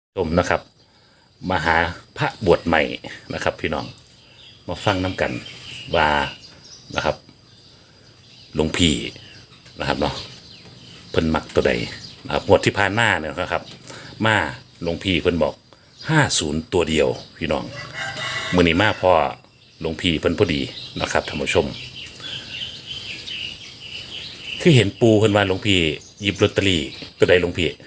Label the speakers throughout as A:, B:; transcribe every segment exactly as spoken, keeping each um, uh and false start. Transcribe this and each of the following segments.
A: ชมนะครับมาหาพระบวชใหม่นะครับ พี่น้องมาฟังน้ำกันว่านะครับหลวงพี่นะครับเนาะเพิ่นมักตัวใดนะครับงวดที่ผ่านมาเนี่ยนะครับ มาหลวงพี่เพิ่นบอกห้าศูนย์ตัวเดียวพี่น้องมื้อนี้มาพ่อหลวงพี่เพิ่นพอดีนะครับท่านผู้ชมคือเห็นปูเพิ่นว่าหลวงพี่หยิบลอตเตอรี่ตัวใดหลวงพี่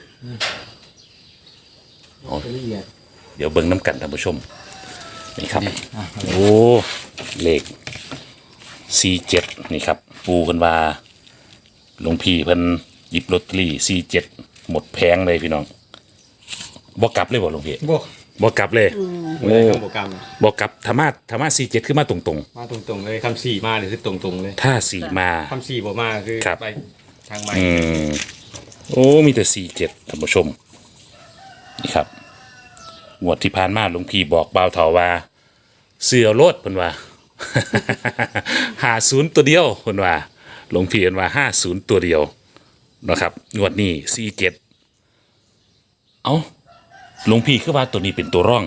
A: อ๋อเดี๋ยวเบิ่งน้ำกันท่านผู้ชมนี่ครับโอ้เลขสี่เจ็ดนี่ครับปูเพิ่นว่าหลวงพี่เพิ่นหยิบลอตเตอรี่สี่เจ็ดหมดแพงเลยพี่น้องบ่กลับเลยบ่หลวงพี่
B: บ่
A: บ่กลับเลย
B: โอ้โปรแกรม
A: บ่กลับธรรมะธรรมะสี่เจ็ดคือมาตรง
B: มาตรงๆเลยคำสี่มาเลยคือตรงๆเลย
A: ๆถ้าสี่มา
B: คำสี่บ่มาคือ
A: ครับ
B: ไปทางใบ
A: อืมโอ้มีแต่สี่เจ็ดท่านผู้ชมนี่ครับงวดที่ผ่านมาหลวงพี่บอกบ่าวเถาว่าเสือโลดเพิ่นว่า ห้าศูนย์ตัวเดียวเพิ่นว่าหลวงพี่เพิ่นว่าห้าศูนย์ตัวเดียวนะครับงวดนี้สี่เจ็ดเอ้าหลวงพี่คือว่าตัวนี้เป็นตัวร่อง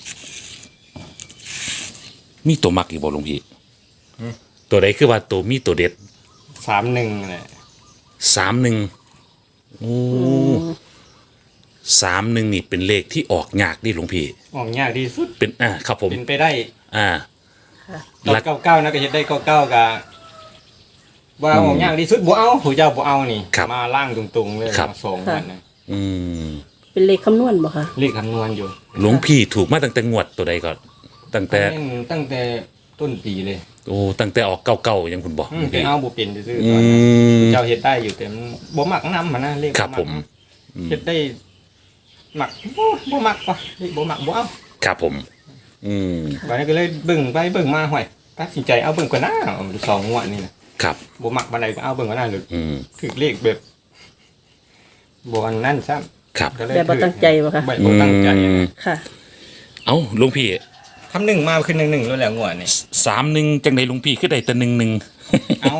A: มีตัวมักอีกบ่หลวงพี่ตัวใดคือว่าตัวมีตัวเด็ด
B: สามหนึ่งแหละ
A: สามหนึ่งโอ้สามหนึ่งนี่เป็นเลขที่ออกยากดิหลวงพี่
B: ออกยากที่สุด
A: เป็นอ่าครับผม
B: เป็นไปได้
A: อ่า
B: หลักเก้าเก้านะก็เฮ็ดได้เก้าเก้ากะว่าออกยากที่สุดบ่เอาผู้เจ้าบ่เอานี่
A: ครับ
B: มาล่างตรงๆเลย
A: ครับ
B: มาส่งมันนะ
A: อืม
C: เป็นเลขคำนวณบ่คะ
B: เลขคำนวณอยู่
A: หลวงพี่ถูกมาตั้งแต่งวดตัวใดก่อนตั้งแต่
B: เล่นตั้งแต่ต้นปีเลย
A: โอ้ตั้งแต่ออกเก่าๆยังคุณบอก
B: อืมแต่เอาบ่เป็นซื่อๆ
A: อื
B: ตอนนั้น
A: ม
B: เจ้าเฮ็ดได้อยู่แต่มันบ่มักนำมันนะเลข
A: ครับผม
B: เฮ็ดได้มักบ่บ่มักว่ะเลขบ่มักบ่เอา
A: ครับผม อืม
B: วันนี้ก็เลยเบิ่งไปเบิ่งมาห่วยตัดสินใจเอาเบิ่งก่อนนะเอาสองงวดนี่นะครับ บ่มักบันไดก็เอาเบิ่งก่อนนะหรือ
A: อืม
B: ถึกเลขแบบบ่อันนั้นซ้ำ
A: ครับ
B: ก็เลย
C: แบบบ่ตั้งใจบ่คะ
B: บ่บ่ตั้งใจ
A: อืม
C: ค่ะ
A: เอ้าหลวงพี่
B: คำหนึ่งมาขึ้นหนึ่งหนึ่งแล้วแหละงวดนี่
A: สามหนึ่งจังใดหลวงพี่คือได้แต่หนึ่งหนึ่ง
B: เอา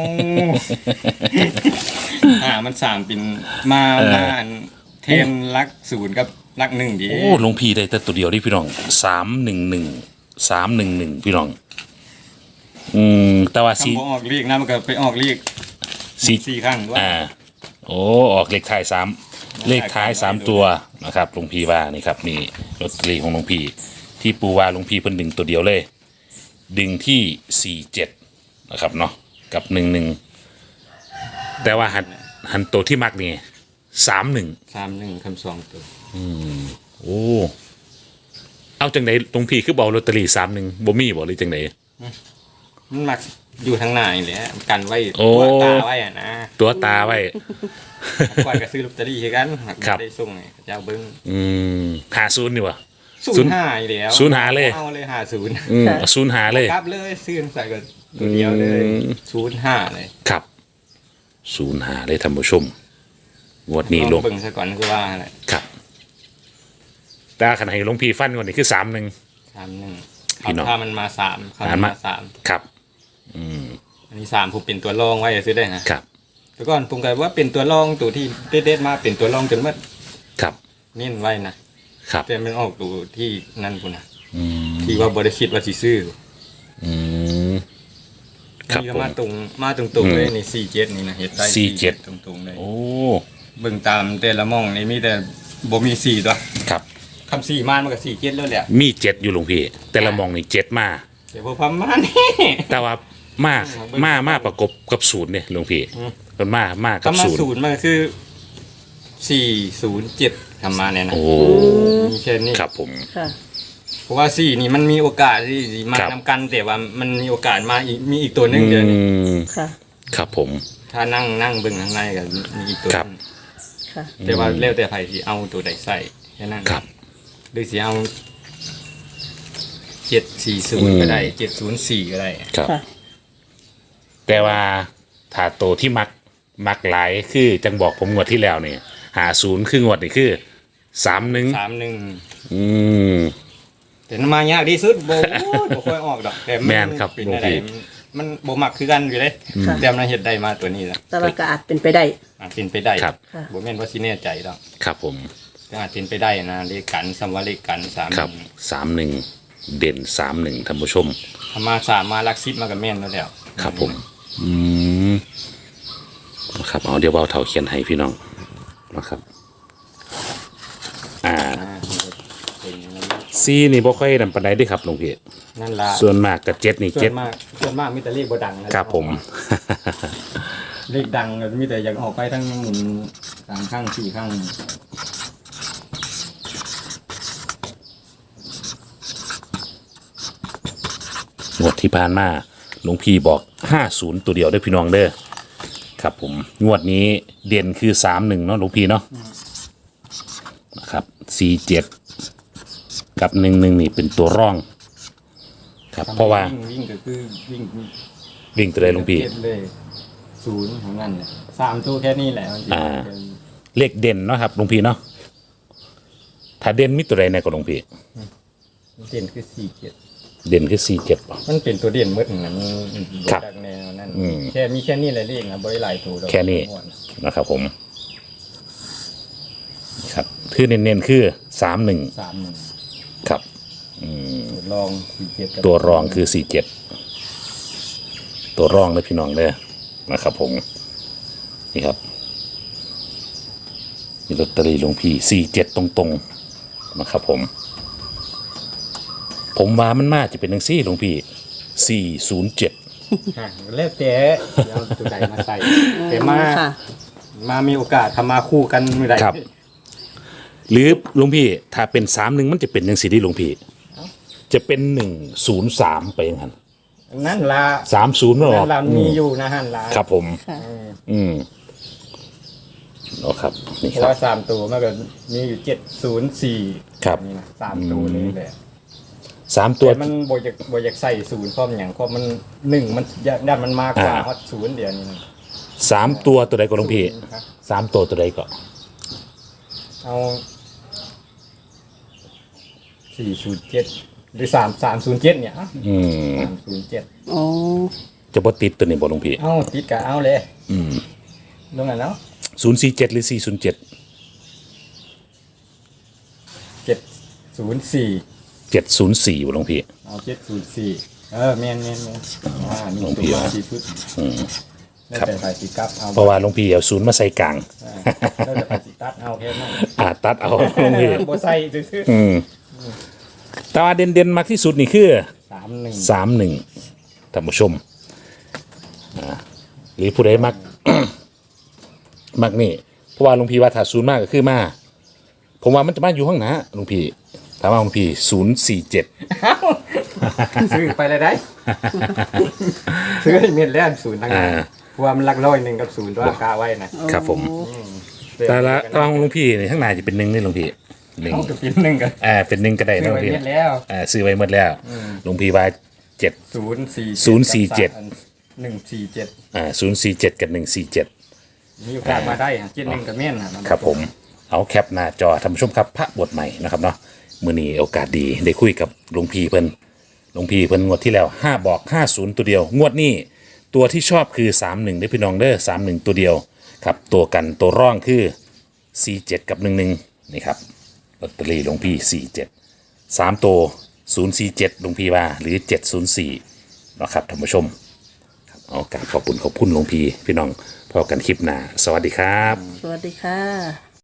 B: อ่ามันสามเป็นมามาอันเทนรักศูนย์กับรักหนึ่งดี
A: โอ้หลวงพี่ได้แต่ตัวเดียวนี่พี่น้องสามหนึ่งหนึ่งสามหนึ่งหนึ่งพี่น้อง อืมแต่ว่าสี
B: คำบ่ออกเลขนะมันก็ไปออกเลข
A: สี
B: สี่ครั้งด้วย
A: อ่า โอ้ออกเลขท้ายสามเลขท้ายสามตัวนะครับหลวงพี่ว่านี่ครับนี่ลอตเตอรี่ของหลวงพี่ ที่ปูว่าหลวงพี่เพิ่นดึงตัวเดียวเลย ดึงที่สี่เจ็ดนะครับเนาะกับหนึ่งหนึ่งแต่ว่าหันหันตัวที่มักนี่สามหนึ่ง
B: สามหนึ่งคำสองตัว
A: โอ้เอาจังไหนหลวงพี่คือบอกลอตเตอรี่สามหนึ่งบ่มีบอกหรือจังไหน
B: มันมักอยู่ทางหน้านี่แหละกันไว้
A: โอ้
B: ตัวตาไว้อะนะ
A: ตัวตาไว้
B: ก่อนก็ซื้อลอตเตอรี่คือกันหัก
A: ครับ
B: ได้ส่งให้เจ้าเบิ้ง
A: อืมหาศูนย์นี่วะ ศู
B: ศู
A: น
B: น
A: ย์
B: ย์ห้าอีกแล้ว
A: ศูนย์หาเลย
B: เอาเลยหาศูนย์
A: อืม
C: ค่ะ
A: เอาศูนย์หาเลย
B: กลับเลยซื้อใส่กันตัวเดียวเลย
A: อืม
B: ศูนย์ห้าเลย
A: ครับศูนย์หาเลยท่านผู้ชมงวดนี้ลง
B: เบิ้งซะก่อนคือว่าอะไร
A: ครับแต่ขณะให้หลวงพี่ฟันก่อนนี่คือสามหนึ่ง
B: สามหนึ่ง
A: พี่น้อง
B: ถ้ามันมาสามเขา
A: อ่านมา
B: มาสาม
A: ครับ อืม
B: อันนี้สามผมเป็นตัวรองไว้ซื้อได้นะครับ แต่ก่อนผมก็ว่าเป็นตัวรองตัวที่เด็ดๆมาเป็นตัวรองจนว่า
A: ครับ
B: เน้นไว้นะครับ แต่มันออกตัวที่นั่นกูนะ
A: อืม
B: ที่ว่าบริคิดว่าสิซื้อ
A: อืมครับ
B: นี่ก็
A: ผม
B: มาตรงมาตรงๆเลยนี่สี่เจ็ดนี่นะเห็ดได้
A: สี่เจ็ด
B: ตรงๆเลย
A: โอ้
B: เบิ่งตามแต่ละหมองนี่มีแต่บ่มีสี่ตัว
A: ครับ
B: คำสี่มานมันก็สี่เจ็ดแล้วแหละ
A: มีเจ็ดอยู่หลวงพี่ แต่ละมองนี่เจ็ดมา
B: เดี๋ยวพอพม่านี่
A: แต่ว่ามามามาประกบกับศูนย์เนี่ยหลวงพี่
B: อืม
A: มันมามากับ
B: คำมา
A: ศูนย์
B: ศูนย์มันก็คือสี่ศูนย์เจ็ดทำมาเนี่ยนะ
A: โอ้
B: มีแค่นี้
A: ครับผม
C: ค่ะ
B: เพราะว่าสี่นี่มันมีโอกาสที่สิมา
A: ครับ
B: นำกัน แต่ว่ามันมีโอกาสมาอีกมีอีกตัวหนึงเดียวนี่
A: อืม
C: ค่ะ
A: ครับผม
B: ถ้านั่งนั่งเบิ่งข้างในก็มีอีกตัว
A: ครับ
B: หนึ่ง
C: ค่ะ
B: แต่ว่าแล้วแต่ไผสิเอาตัวใดใส่แค่นั้น
A: ครับ
B: หรือสิเอาเจ็ดสี่ศูนย์ก็ได้เจ็ดศูนย์สี่ก็ได้
A: ครับ
C: ค่ะ
A: แต่ว่าถ้าโตวที่มักมักหลายคือจังบอกผมงวดที่แล้วเนี่ยหาศูนย์คืองวดนี่คือสามหนึ่ง
B: สามหนึ่ง
A: อืม
B: แต่มันมายากที่สุดบ่โอ้ยบ่ค่อยออกดอกแต่
A: แม่นครับ
B: เป็น
A: หลวง
B: อะไร
A: พี่
B: มันบ่มักคือกันอยู่เลย
C: ค่ะ
B: แต่มันเฮ็ดได้มาตัวนี้แล้ว
C: แต่ว่าก็อาจเป็นไปได้
B: อ่ะเป็นไปได้
A: ครับ
C: ค่ะ
B: บ่แม่นว่าสิแน่ใจดอก
A: ครับผม
B: อาจเป็นไปได้นะเลขกันสำว่าเลขกันสาม
A: ครับสามหนึ่งเด่นสามหนึ่งท่านผู้ชม
B: ธรรมาสามมาลักซิปมากับแม่นแล้วแล้ว
A: ครับผม อืมนะครับเอาเดี๋ยวเบาเท่าเขียนให้พี่น้องนะครับ อ่า
B: อ่าเป็นอย่างนั้น
A: ซีนี่บ่ค่อยนำปานใดเด้อครับหลวงพี่
B: นั่นล่ะ
A: ส่วนมากกับเจ็ดนี่
B: ส่ว
A: เจ็ด
B: นมากส่วนมากมีแต่เลขบ่ดังนะครับ
A: ผม
B: เลขดังมีแต่อยากออกไปทั้งหมุนสามข้างสี่ข้าง
A: งวดที่ผ่านมาหลวงพี่บอกห้าศูนย์ตัวเดียวได้อพี่น้องเด้อครับผมงวดนี้เด่นคือสามหนึ่งเนาะหลวงพี่เนาะนะครับสี่เจ็ดกับหนึ่งหนึ่งนี่เป็นตัวร่อง ครับเพราะว่า
B: วิ่งวิ่งก็คือวิ่ง
A: วิ่งตัวใดหลวงพี่
B: เก็บเลยศูนย์ของนั่นเนี่ยสามตัวแค่นี้แหละมันจะ
A: อ่า เลขเด่นเนาะครับหลวงพี่เนาะถ้าเด่นมีตัวใดในกับหลวงพี่
B: เด่นคือสี่เจ็ด
A: เด่นคือสี่เจ็ดป่ะ
B: มันเป็นตัวเด่นเมื่อถึงนั้น
A: ครับ
B: จากแนวนั้น
A: อืม
B: แค่มีแค่นี้แหละเลขนะบริหลายตัวดอก
A: แค่นี้ นะครับผมครับคือเน้นๆคือสามหนึ่ง
B: สามหนึ่ง
A: ครับ
B: ลองสี่เจ็ดกับ
A: ตัวรองคือสี่เจ็ดตัวรองเลยพี่น้องเลยนะครับผมนี่ครับมีลอตเตอรี่หลวงพี่สี่เจ็ดตรงๆนะครับผม ผมว่ามันน่าจะเป็นหนังซี่หลวงพี่สี่ศูนย์เจ็ด
B: อ่ะแล้วแต่เอาตัวใดมาใส่แต่มา
C: ค่ะ
B: มามีโอกาสทำมาคู่กันเมื่อไหร่
A: ครับ หรือหลวงพี่ถ้าเป็นสามหนึ่งมันจะเป็นยังสีที่หลวงพี่จะเป็นหนึ่งศูนย์สามไปอย่างนั้น
B: นั่นละ
A: สามศูนย์หรอ
B: นั่นละมีอยู่นะฮันละ
A: ครับผม
C: ค่ะ
A: อืมโอ้ครับนี่
B: เพ
A: ค
B: ราะ
A: รับ
B: ว่าสามตัวมันก็มีอยู่เจ็ดศูนย์สี่
A: ครับ
B: นี่นะสามตัวนี้แหละ
A: สามตัว
B: แต่มันบอยากบอยากใส่ศูนย์ข้อมอย่างข้อมันหนึ่งมันด้านมันมากกว่า
A: อ่า
B: ฮอตศูนย์เดียวนี่นะ
A: สามตัวตัวใดก็หลวงพี่
B: ศูนย์ครับ
A: สามตัวตัวใดก็
B: เอาสี่ศูนย์เจ็ดหรือสามสามศูนย์เจ็ดเนี่ย
A: อืม
B: สามศูนย์เจ็ด
C: อ๋อ
A: จะบ่ติดตัวนี้บ่หลวงพี่
B: เอาติดกับเอาเลย
A: อืม
B: ลงอ่ะเนาะ
A: ศูนย์สี่เจ็ดหรือสี่ศูนย์เจ็ด
B: เจ็ดศูนย์สี่
A: เจ็ดศูนย์สี่บ่หลวงพี่
B: เอาเจ็ดศูนย์สี่เออแมนแมนแมนอ่านี่
A: หลวง
B: ตั
A: พี่
B: ว
A: ว่า
B: สี่ชุด
A: อืม
B: แล้ว
A: ครับ
B: แต่ไฟสีกับเอา
A: เพราะว่าหลวงพี่เอาศูนย์มาใส่กลาง
B: อ่าแล้วแต่ไฟสีตัดเอาแค่นั้น
A: อ่าตัดเอาหลวงพี่
B: บ่ใส่ซื่อ
A: อืมแต่ว่าเด่นๆมากที่สุดนี่คือ
B: ๆสามหนึ่ง
A: สามหนึ่งท่านผู้ชมอ่าหรือผู้ใดมัก มักนี่เพราะว่าหลวงพี่ว่าถ้าศูนย์มากก็คือมาผมว่ามันจะมาอยู่ข้างหน้าหลวงพี่ถามว่าหลวงพี่ศูนย์สี่เจ็ด
B: ซื้อไปเลยได้ ซื้อให้เม็ดแล้วศูนย์ทั้งนั้น
A: อ่า
B: เพราะว่ามันหลักร้อยหนึ่งกับศูนย์ตัวกาไว้นะครับ
A: ผม แต่ละตอนหลวงพี่นี่ข้างหน้าจะเป็นหนึ่งนี่หลวงพี่หนึ่ง
B: เอากับกินหนึ่งกัน
A: อ่าเป็นหนึ่งก็ได้
B: ซื้
A: นะ
B: อ
A: หลว
B: ไว้
A: งพี่
B: เม็ดแล้ว
A: อ่าซื้อไว้หมดแล้วหลวงพี่ว่าเจ็ด
B: ศูนย์สี่
A: ศูนย์สี่เจ็ด
B: หนึ่งสี่เจ็ด
A: อ่าศูนย์สี่เจ็ดกับหนึ่งสี่เจ็ด
B: มีโอกาสมาได้อะเจ็ดหนึ่งกับเม่นอะ
A: ครับผมเอาแคปหน้าจอท่านผู้ชมครับพระบทใหม่นะครับเนาะมื้อนี้โอกาสดีได้คุยกับหลวงพี่เพิ่นหลวงพี่เพิ่นงวดที่แล้วห้าบอกห้าศูนย์ตัวเดียว งวดนี้ตัวที่ชอบคือสามหนึ่งได้อพี่น้องเด้อสามหนึ่งตัวเดียวครับตัวกันตัวร่องคือสี่เจ็ดกับหนึ่งหนึ่งนี่ครับลอตเตอรี่หลวงพี่สี่เจ็ดสามตัวศูนย์สี่เจ็ดหลวงพี่ว่าหรือเจ็ดศูนย์สี่นะครับท่านผู้ชมครับเอาการขอบคุณขอบคุณหลวงพี่พี่น้องพอกันคลิปหน้าสวัสดีครับ
C: สวัสดีค่ะ